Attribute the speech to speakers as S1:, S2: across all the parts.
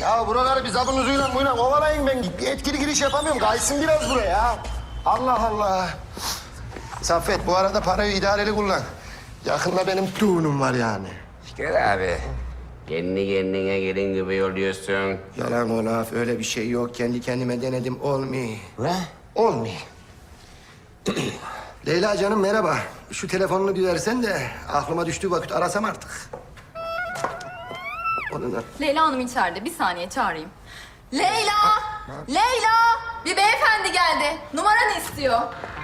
S1: Ya buraları bir zabın uzuyla buyla kovalayın ben. Bir etkili giriş yapamıyorum. Kaysın biraz buraya. Allah Allah. Saffet bu arada parayı idareli kullan. Yakında benim düğünüm var yani.
S2: Gel abi. Kendi kendine gelin gibi yolluyorsun.
S1: Yalan o laf. Öyle bir şey yok. Kendi kendime denedim. Olmuyor.
S2: Ne?
S1: Olmuyor. Leyla canım merhaba. Şu telefonunu bir versen de aklıma düştüğü vakit arasam artık. Onu da...
S3: Leyla Hanım içeride. Bir saniye çağırayım. Leyla! Leyla! Bir beyefendi geldi. Numaranı istiyor.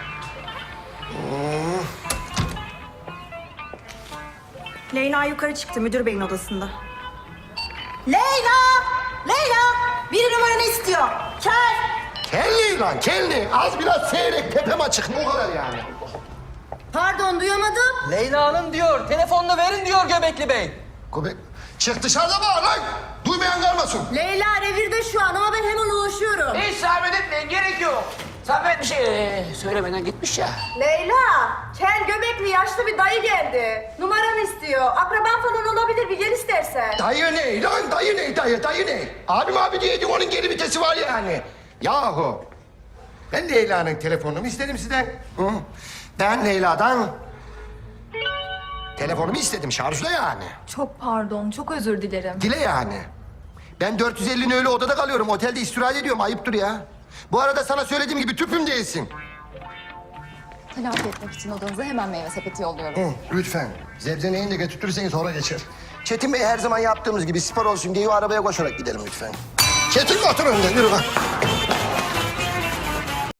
S4: Leyla yukarı çıktı müdür beyin odasında. Leyla! Leyla! Biri numaranı istiyor. Kel!
S1: Kelli lan kelli. Az biraz seyrek tepem açık. Ne o kadar yani?
S4: Pardon duyamadım.
S5: Leyla Hanım diyor, telefonunu verin diyor Göbekli Bey.
S1: Göbek... Çık dışarıda bağır lan. Duymayan kalmasın.
S4: Leyla revirde şu an ama ben hemen ulaşıyorum.
S2: Hiç zahmet etmeyin, gerek yok. Zahmet bir şey söylemeden gitmiş ya.
S4: Leyla! Kel göbekli yaşlı bir dayı geldi. Numaranı istiyor. Akraban falan olabilir bir gel istersen.
S1: Dayı ne lan? Dayı ne? Dayı ne? Abim abi diyeydi onun geri vitesi var yani. Yahu. Ben Leyla'nın telefonunu istedim sizden. Hı? Ben Leyla'dan telefonumu istedim şarjla yani.
S3: Çok pardon. Çok özür dilerim.
S1: Dile yani. Ben 450'nin öyle odada kalıyorum. Otelde istirahat ediyorum. Ayıptır ya. Bu arada sana söylediğim gibi tüpüm değilsin.
S3: Telafi etmek için odanıza hemen meyve sepeti yolluyorum.
S1: Hı, lütfen. Zebzeneğini de götürtürseniz sonra geçer. Çetin Bey her zaman yaptığımız gibi spor olsun diye o arabaya koşarak gidelim lütfen. Çetin otur önde yürü bak.